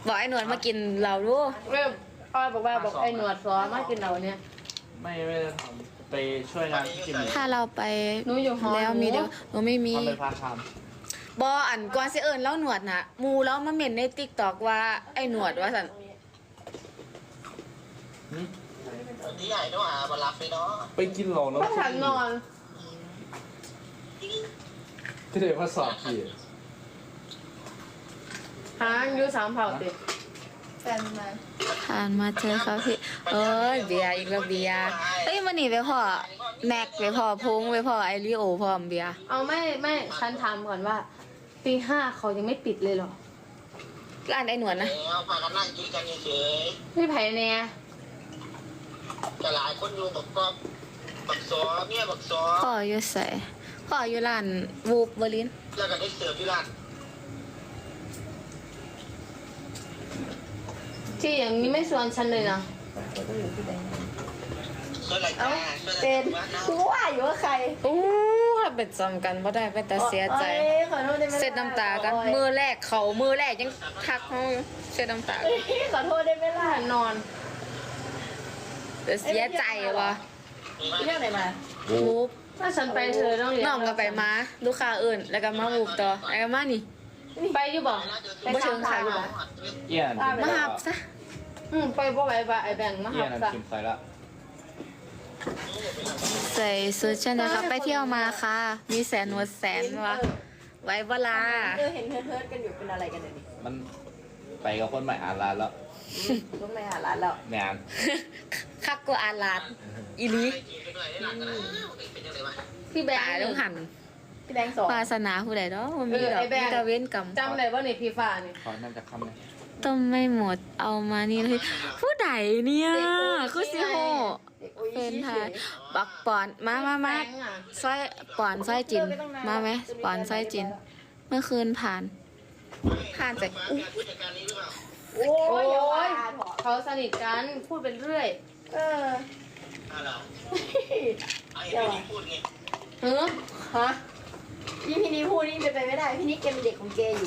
บอกไอ้หนวดมากินเราดูเริ่มพ่อบอกว่าบอกไอ้หนวดซอมากินเราเนี่ยไม่ได้ทำไปช่วยงานกินถ้าเราไปหนูอยู่หอแล้วมีเดียวหนูไม่มีทำเป็นพาร์ทไทม์บออันก่อนสิเอิญเล่าหนวดนะมูแล้วมาเม่นในติ๊กตอกว่าไอ้หนวดว่าสันวันนี้ใหญ่ต้องหามารับไปเนาะไปกินหลงแล้วพ่อฉันนอนที่เดี๋ยวมาสอบพี่หางอยู่สามเผ่าติแฟนมาผ่านมาเจอเขาที่เอ้ยเบียร์อีกแล้วเบียร์เอ้ยมันนี่ไปพ่อแม็กไปพ่อพงไปพ่อไอริโอพ่อเบียร์เอาไม่ฉันถามก่อนว่าตีห้าเขายังไม่ปิดเลยเหรอร้านไอ้หนวดนะแล้วพากันนั่งกินกันเฉยพี่ไผ่เนี่ยๆแต่หลายคนอยู่บอกก็บักซอเนี่ยบักซอพ่ออยู่ใส่พ่ออยู่ร้านวูบเบอร์ลินแล้วก็ได้เสิร์ฟที่ร้านที่อย่างนี้ไม่ชวนฉันเลยนะเสิร์ฟอะไรจ้าเป็นกูว่าอยู่ว่าใครอู้ถ้าเป็นจำกันบ่ได้เป็นแต่เสียใจโอ๊ยขอโทษได้ไหมล่ะเสร็จน้ำตากันมือแรกเขามือแรกยังทักเขาอยู่เสร็จน้ำตาเอ้ยขอโทษได้ไหมล่ะฉันนอนแต่เสียใจวะเรื่องอะไรมาวูบถ้าฉันไปเธอต้องเรียนน้องก็ไปมาลูกค้าอื่นแล้วก็มาวูบต่อแล้วก็มานี่ไปอยู่บ่บ่เชิงขายบ่เอี้ยนมาหับซะไปบ่ไหวบ่ไอ้แบ่งมาเอี้หัยบนซะกินใส่ละใส่ชุดเช่นนะคะไปเที่ยวมาค่ะ มีแสนหัวแสนวะไว้เวลาเห็นเฮิร์ทกันอยู่เป็นอะไรกันเนี่ยนี่มันไปกับคนใหม่อ่านร้านแล้วต้องไปหาร้านแล้วแมนคักกว่าอาลาดอีหลีเป็นยังไงวะพี่แบงตายค์ต้องหันพี่แดงสองวาสนาผู้ใดเนาะมันมีดอกมีแตะเว้นกรรมจำได้ว่าในพี่ฟ้านี่ขอนั่นจะคำเลยต้มไม่หมดเอามานี่เลยผู้ใดเนี่ยคือสิโฮเด็กโอ้ยเป็นไทเฉยยบักปอนมาซอยปอนซอยจินมาไหมปอนซอยจิน เมื่อคืนผ่านไปอู้ผู้จัดการนี้หรือเปล่าโอ้ยอย่าว่าเถอะเขาสนิทกันพูดเป็นเรื่อยเออเหรอไอ้พี่พูดไงเฮ้อฮะพี่นี่พูดนี่เป็นไปไม่ได้ พี่นี่แกเป็นเด็กของแกอยู่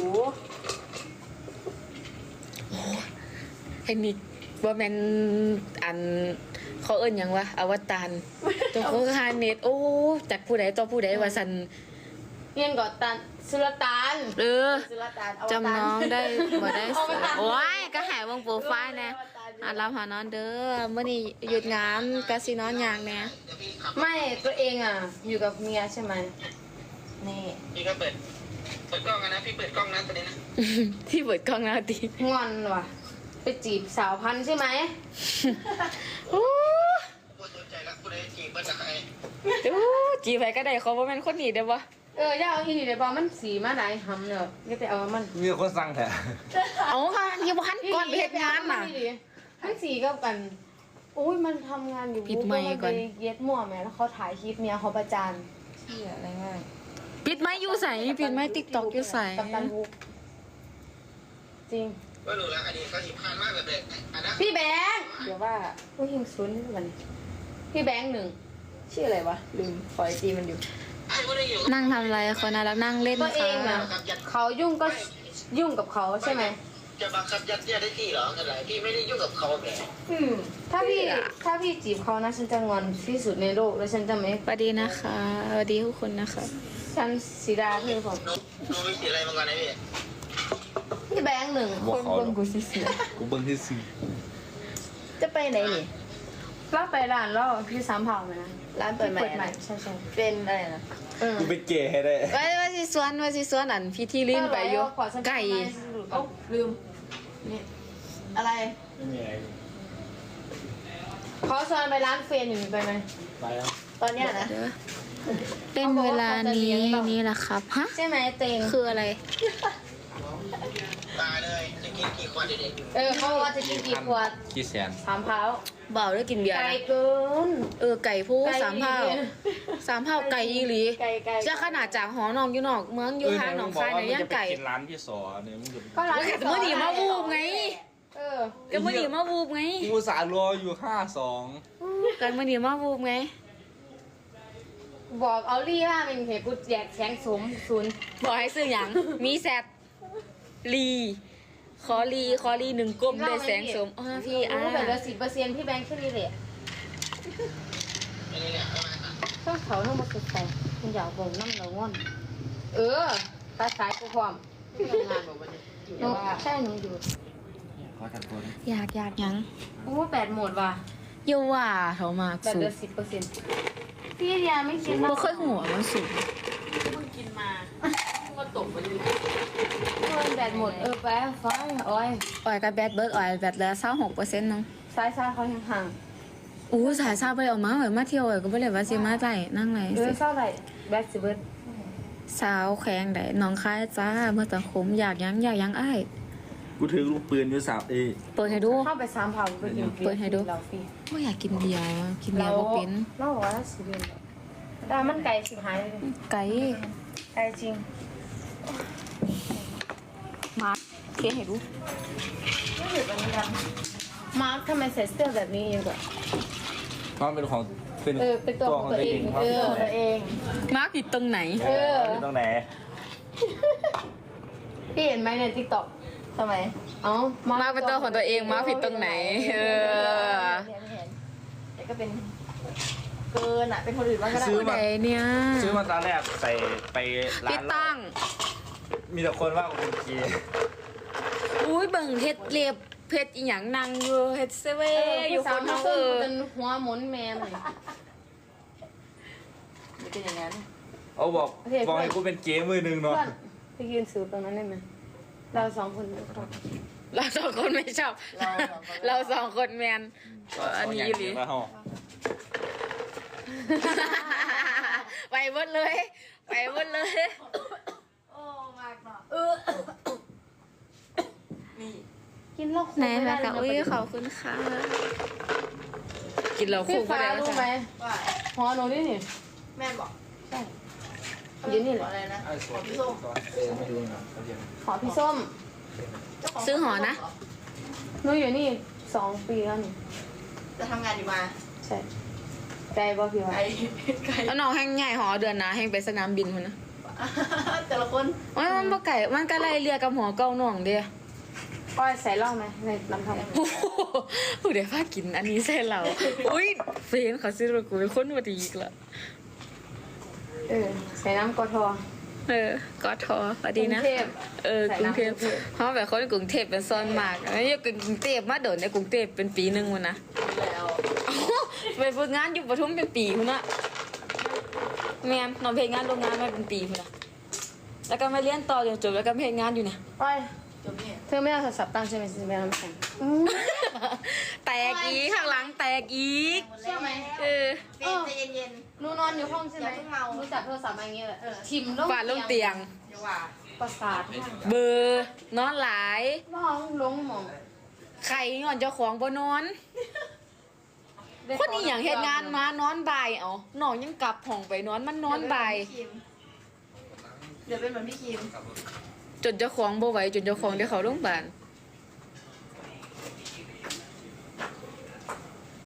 ไอ้นี่ว่าแมนอันเขาเอิ้นหยังวะอวตารตัวเขาคาเน็ตโอ้จากผู้ใดต่อผู้ใดว่าสันเรียนก่อนตันสุลต่านเออสุลต่านจำน้องได้บ่ได้เสือโอ้ยก็หายวงโปรไฟล์นะรับหานอนเด้อเมื่อนี้หยุดงานก็สินอนอย่างแน่เดี๋ยวพี่ขับไม่ตัวเองอ่ะ อยู่กับเมียใช่ไหมนี่พี่ก็เปิดกล้องกันนะพี่เปิดกล้องนะตอนนี้นะที่เปิดกล้องหน้าตีงอนว่ะ ไปจีบสาวพันธุ์ใช่ไหมอู้พูดสนใจแล้วพูดได้จีบเปิดกับใครอู้จีไปก็ได้เขาบ่แม่นคนนี้เด้อบ่ย่าเอาอีนี่เดี๋ยวบอกมันสีมาไหนหำเนอะก็แต่เอามันมีคนสั่งแถะเอาค่ะยังบ่ทันก่อนไปเฮ็ดงานน่ะมันสีก็กันโอ้ยมันทำงานอยู่ปิดไมค์ก่อนไปเย็ดมั่วแม่แล้วเขาถ่ายคลิปเมียเขาประจานเชี่ยอะไรง่ายปิดไม้อยู่ใส่ปิดไม้ TikTok อยู่ใส่กับตันบุกจริงก็รู้แล้วอันนี้เขาหิบพานมากแบบเด็กอันนั้นพี่แบงค์เดี๋ยวว่าผู้หิงซุนนี่มันพี่แบงค์หนึ่งชื่ออะไรวะ ลืมขอไอจีมันอยู่ไอ้พวกนี้อยู่นั่งทำอะไรคนน่ารักนั่งเล่นตัวเองนะค่ะเขายุ่งก็ยุ่งกับเขาใช่ไหมจะบังคับยัดเยียดได้ที่เหรออะไรพี่ไม่ได้ยุ่งกับเขาแหมถ้าพี่จีบเขานะฉันจะงอนที่สุดในโลกแล้วฉันจะไม่สวัสดีนะคะสวัสดีทุกคนนะคะฉันสีดาเพื่อนผมนูมีสีอะไรมาก่อนนะพี่พี่แบงค์หนึ่งบอกเขาเบิ่งกูสิเสียกูเบิ่งที่ซื้อจะไปไหนนี่เราไปร้านแล้วพี่สามเผาไหมนะร้านเปิดใหม่เปิดใหม่อะใช่ใช่เป็นอะไรนะกูเป็นเกย์ให้ได้ว่าสิสวนอันพี่ที่ลิ้นไปอยู่ไก่เอ้าลืม นี่ อะไรไม่มีอะไรเขาชวนไปร้านเฟรนอยู่ไปไหมไปแล้วตอนเนี้ยนะเด้อเป็นเวลานี้นี่แหละครับฮะใช่ไหมเตงคืออะไรตายเลยจะกินกี่ขวดเด็กเขาบอกว่าจะกินกี่ขวดกี่แสนสามเผาเบาด้วยกินเบียร์ไกลนะเกินไก่ผู้ไก่สามเผาอีหลีสามเผาไก่อีหลีไก่ไก่จะขนาดจากหอนองอยู่นอกเมืองอยู่ทางหนองคายในย่างไก่กินร้านพี่สอเนี่ยมึงจะก็ร้านแต่เมื่อนี้มาวูบไงเออก็เมื่อนี้มาวูบไงกูอุตสาห์รออยู่52 กันเมื่อนี้มาวูบไงบอกเอาลี่ว่าเป็นเหตุกูแจกแข็งสมศูนย์บอกให้ซื้อหยังมีแซดลีคอรีหนึ่งกลมเลยแสงสมพี่แบบละ10%พี่แบงค์แค่นี้แหละอันนี้เนี่ยเอามาค่ะต้องเขาต้องมาสุดใจคุณอยากบอกน้ำเราง่อนตัดสายกูความหนูใช่หนูอยู่ขอจัดตัวนะอยากยังโอ้8โหมดว่ะเยาว่าเขามากแบบสูเหลืงอ10%พี่เดียไม่กินบ่เคยหัวมันสูง 8โหมดไปฟังโอ้ยออยกับแบตเบิร์ดออยแบตแล้ว26%นึงซ้ายเขาห่างอู้สายซาไปออกมาเหมือนมาเที่ยวก็บ่เลยว่าสิมาไต่นั่งไหนๆเศร้าไหลแบทสิเบิร์ดสาวแข็งได้น้องคายจ้าเมื่อตะคมอยากยังอ้ายกูถือลูกปืนอยู่สามเอเปิดให้ดูเข้าไป3เผาไปกินเปิดให้ดูเราฟรีบ่อยากกินเบียร์กินเบียร์บ่เป็นเราบอกว่าสิเดือนแต่มันไกลสิหายเลยไก่ไกลจริงมาเทียนให้ดูไม่ถึงวันนี้กันมาร์คทำไมใส่เสื้อแบบนี้อยู่อะเพราะมันเป็นของเป็นเป็นตัวของตัวเองครับตัวเองมาผิดตรงไหนเป็นตรงไหนพี่เห็นไหมในทิกตอกทำไมเอ้ามาเป็นตัวของตัวเองมาผิดตรงไหนไม่เห็นแต่ก็เป็นเกินอ่ะเป็นคนอื่นบ้างก็ได้ผู้ใดเนี่ยซื้อมาตอนแรกใส่ไปร้าพี่นตั้งมีแต่คนว่ากูเป็นเกย์อุ้ยเบิ่งเฮ็ดเล็บเพชรอีหยังนางอยู่เฮ็ดเซเว่อยู่คนเฮาเออเป็นหัวหมุนแมนเลยมันเป็นอย่างนั้นเอาบอกให้กูเป็นเกย์มือหนึ่งเนาะเพื่อนไปยืนสูตรงนั้นได้ไหมเราสองคนไม่ชอบเราสองคนไม่ชอบ เราสองคนแมนอันนี้อีหลีแล้วไปหมดเลยไปหมดเลยโอ้มากเนาะนี่กินเหล้าคู่ไหนไม่แม่ได้กะอุ้ยขอบคุณค่ะกินเราพี่คู่ก็ฟ้าได้รู้แล้วไหมว่าหอหนูนี่นี่แม่บอกใช่อยู่นี่แหละอะไรนะไอ้สขวอน งพี่ส้มไม่ดูนะเขาเรียนหอพี่ส้มเจ้าขงซื้อหอนะหนูอยู่นี่2 ปีแล้วนี่จะทำงานอยู่มาใช่ใจบ่พี่วะไกลไกลแล้วน้องแห้งใหญ่หอเดือนนะแห้งไปสนามบินคนนะแต่ละคนมันบ่ไก่มันก็ไล่เรียกับหอเก้าน่องเด้อก้อยใส่เหล้าไหมในน้ำทองโอ้โหผู้ใดพากินอันนี้ใส่เราอุ้ยเฟนเขาซื้อมากูเป็นคนวัดีอีกละใส่น้ำกอทอก็ทอพอดีนะกรุงเทพกรุงเทพใส่น้ำกรุงเทพเพราะแบบคนกรุงเทพเป็นซอนมากแล้วอยู่กรุงเทพมาโดดในกรุงเทพเป็นปีหนึงวันนะแล้วไปฝึกงานอยู่ปทุมเป็นปีคุณนะแม่นนอนเพลงงานโรงงานมาเป็นปีคุณนะแล้วก็มาเรียนต่อจนจบแล้วก็เพลงงานอยู่เนี่ยก้อยจบนี่เธอไม่เอาโทรศัพท์ตั้งใช่ไหมจะไปน้ำแข็งแตกอีกข้างหลังแตกอีกเชื่อไหมเป็นใจเย็นหนูนอนอยู่ห้องใช่ไหมอย่าเพิ่งเมาหนูจับโทรศัพท์มาอย่างเงี้ยแหละชิมฝาดลงเตียงๆอย่าว่าประสาทเบอร์นอนหลายร้องลงหมองไข่งอนเจ้าของบ่นอน คนนี้อย่างเฮ็ดงานมานอนบ่ายเอาน้องยังกลับห้องไปนอนมันนอนบ่ายเดี๋ยวเป็นเหมือนพี่คิมจนเจ้าของบ่ไหวจนเจ้าของได้เข้าโรงพยาบาล